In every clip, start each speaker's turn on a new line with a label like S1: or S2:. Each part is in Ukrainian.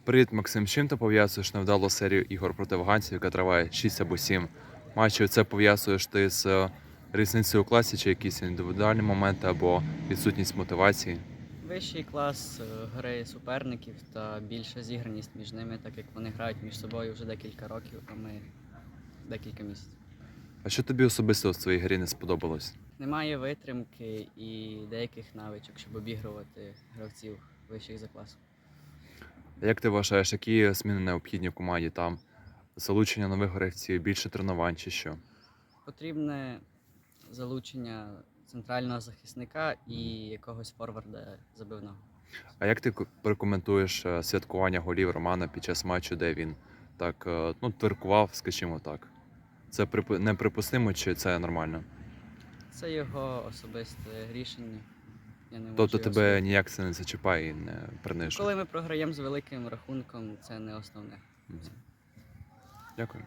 S1: Привіт, Максим. З чим ти пов'язуєш невдалу серію ігор проти афганців, яка триває 6 або 7 матчів? Це пов'язуєш ти з різницею у класі, чи якісь індивідуальні моменти, або відсутність мотивації?
S2: Вищий клас гри суперників та більша зіграність між ними, так як вони грають між собою вже декілька років, а ми декілька місяців.
S1: А що тобі особисто в своїй грі не сподобалось?
S2: Немає витримки і деяких навичок, щоб обігрувати гравців вищих за класом.
S1: Як ти вважаєш, які зміни необхідні в команді там? Залучення нових гравців, більше тренувань чи що?
S2: Потрібне залучення центрального захисника і якогось форварда забивного.
S1: А як ти прокоментуєш святкування голів Романа під час матчу, де він так тверкував, скажімо так? Це неприпустимо чи це нормально?
S2: Це його особисте рішення. Я не можу
S1: Тобто
S2: його
S1: тебе
S2: судити.
S1: ніяк це не зачіпає і не принижує?
S2: Коли ми програємо з великим рахунком, це не основне.
S1: Мгм. Дякую.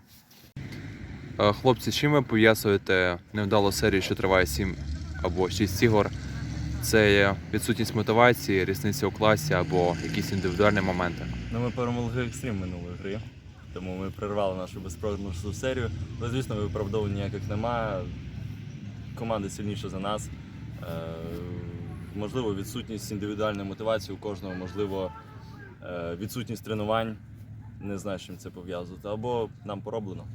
S1: Хлопці, чим ви пов'язуєте невдалу серію, що триває 7 або 6 ігор? Це є відсутність мотивації, різниця у класі або якісь індивідуальні моменти?
S3: Ми перемогли екстрім минулої гри, тому ми прервали нашу безпрограшну серію. Але, звісно, виправдовувань ніяких немає. Команда сильніша за нас. Можливо, відсутність індивідуальної мотивації у кожного, можливо, відсутність тренувань. Не знаю, з чим це пов'язувати. Або нам пороблено.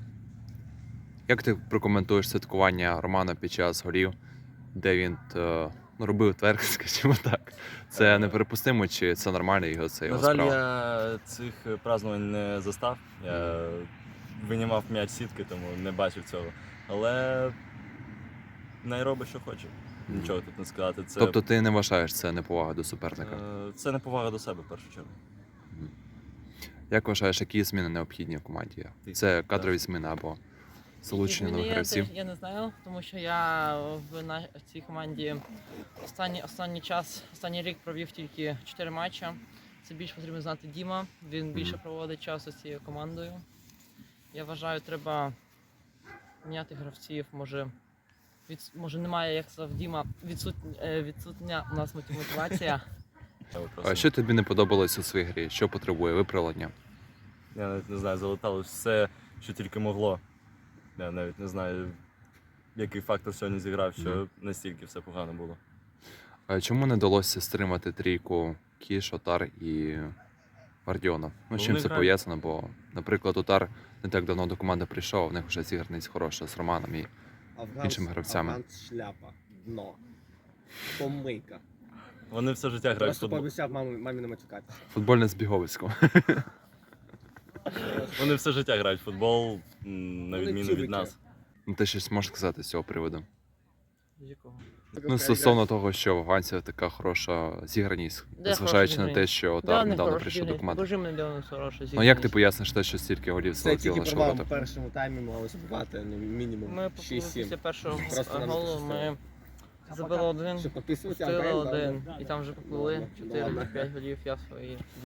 S1: Як ти прокоментуєш святкування Романа під час голів, де він робив тверк, скажімо так? Це неприпустимо чи це нормально його це
S3: На
S1: його
S3: жаль,
S1: справа?
S3: я цих празднувань не застав. Я винімав м'яч сітки, тому не бачив цього. Але не робить, що хоче. Нічого тут не сказати. Це,
S1: Тобто ти не вважаєш це неповага до суперника?
S3: це неповага до себе, в першу чергу.
S1: Мгм. Як вважаєш, які зміни необхідні в команді? Це кадрові зміни або залучення нових гравців?
S4: Я не знаю, тому що я в цій команді останній рік провів тільки 4 матчі. Це більше потрібно знати Діма, він більше проводить часу з цією командою. Я вважаю, треба міняти гравців, може немає, як сказав Діма, відсутня у нас мотивація.
S1: А що тобі не подобалось у своїй грі? Що потребує виправлення?
S3: Я навіть не знаю, залетало все, що тільки могло. Я навіть не знаю, який фактор сьогодні зіграв, що настільки все погано було.
S1: А чому не вдалося стримати трійку Кіш, Отар і Вардіонов? Ну, з чим
S3: Вони
S1: це
S3: грають.
S1: пов'язано? Бо, наприклад, Отар не так давно до команди прийшов, а в них вже зіграність хороша з Романом і іншими гравцями.
S5: Афганц шляпа, дно, помийка.
S3: Вони все життя грають в
S5: Просто
S3: футбол.
S5: пообіцяв мамі не матюкатися.
S1: Футбольне збіговисько.
S3: Вони все життя грають в футбол, на
S5: Вони
S3: відміну
S5: цюбики.
S3: від нас.
S1: Ну, ти щось можеш сказати з цього приводу?
S4: З якого?
S1: Ну, стосовно того, що в афганців така хороша зіграність,
S4: Де
S1: незважаючи на
S4: хороша
S1: те, що Отар недавно прийшов до команди.
S4: Покажи мені, де вони хороші.
S1: Ну, як ти поясниш те, що стільки голів
S5: Це
S1: залетіло
S5: тільки
S1: на
S5: провал в
S1: шороти?
S5: першому таймі могли забувати мінімум
S4: Ми попали
S5: 6-7.
S4: після першого
S5: Просто нам
S4: голу,
S5: пощастило.
S4: ми забили один,
S5: Щоб підписувати
S4: пустили
S5: Антон,
S4: один,
S5: да.
S4: і там вже поплили
S5: Ладно,
S4: 4-5 голів, я свої.